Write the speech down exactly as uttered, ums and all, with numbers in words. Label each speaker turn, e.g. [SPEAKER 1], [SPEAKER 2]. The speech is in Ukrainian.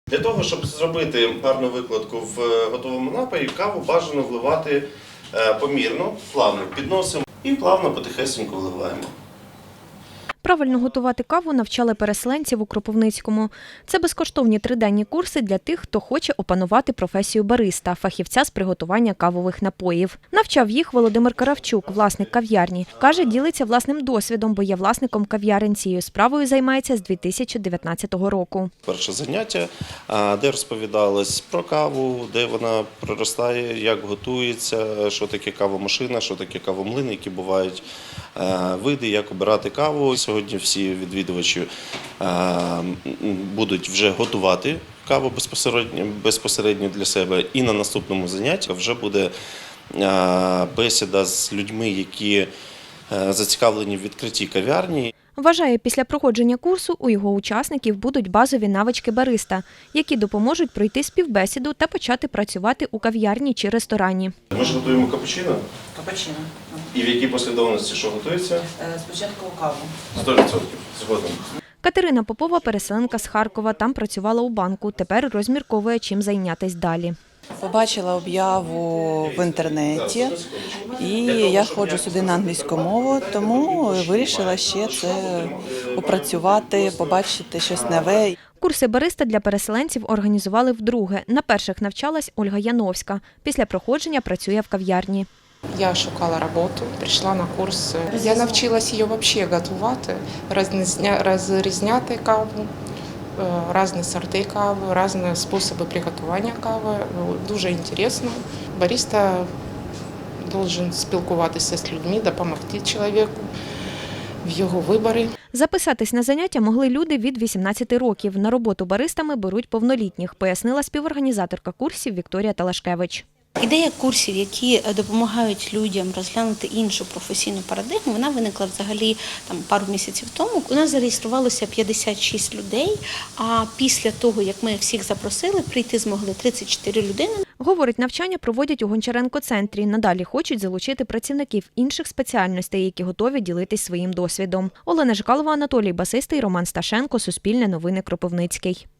[SPEAKER 1] Для того, щоб зробити гарну викладку в готовому напої, каву бажано вливати помірно, плавно підносимо і плавно потихесенько вливаємо.
[SPEAKER 2] Правильно готувати каву навчали переселенців у Кропивницькому. Це безкоштовні триденні курси для тих, хто хоче опанувати професію бариста, фахівця з приготування кавових напоїв. Навчав їх Володимир Каравчук, власник кав'ярні. Каже, ділиться власним досвідом, бо є власником кав'ярень. Цією справою займається з дві тисячі дев'ятнадцятого року.
[SPEAKER 1] Перше заняття, де розповідалось про каву, де вона проростає, як готується, що таке кавомашина, що таке кавомлин, які бувають види, як обирати каву. Сьогодні всі відвідувачі будуть вже готувати каву безпосередньо, безпосередньо для себе. І на наступному занятті вже буде бесіда з людьми, які зацікавлені в відкритті кав'ярні.
[SPEAKER 2] Вважає, після проходження курсу у його учасників будуть базові навички бариста, які допоможуть пройти співбесіду та почати працювати у кав'ярні чи ресторані.
[SPEAKER 1] Ми ж готуємо капучино.
[SPEAKER 3] Капучино.
[SPEAKER 1] І в якій послідовності що готується?
[SPEAKER 3] Спочатку каву.
[SPEAKER 1] сто відсотків. Згодом.
[SPEAKER 2] Катерина Попова – переселенка з Харкова, там працювала у банку, тепер розмірковує, чим зайнятися далі.
[SPEAKER 3] Побачила об'яву в інтернеті, і я ходжу сюди на англійську мову, тому вирішила ще це опрацювати, побачити щось нове.
[SPEAKER 2] Курси бариста для переселенців організували вдруге. На перших навчалась Ольга Яновська. Після проходження працює в кав'ярні.
[SPEAKER 4] Я шукала роботу, прийшла на курс. Я навчилась її взагалі готувати, розрізняти каву, різні сорти кави, різні способи приготування кави. Дуже цікаво. Бариста має спілкуватися з людьми, допомогти чоловіку в його виборі.
[SPEAKER 2] Записатись на заняття могли люди від вісімнадцяти років. На роботу баристами беруть повнолітніх, пояснила співорганізаторка курсів Вікторія Талашкевич.
[SPEAKER 5] Ідея курсів, які допомагають людям розглянути іншу професійну парадигму, вона виникла взагалі там пару місяців тому. У нас зареєструвалося п'ятдесят шість людей, а після того, як ми всіх запросили, прийти змогли тридцять чотири людини.
[SPEAKER 2] Говорить, навчання проводять у Гончаренко-центрі. Надалі хочуть залучити працівників інших спеціальностей, які готові ділитись своїм досвідом. Олена Жикалова, Анатолій Басистий, Роман Сташенко, Суспільне новини, Кропивницький.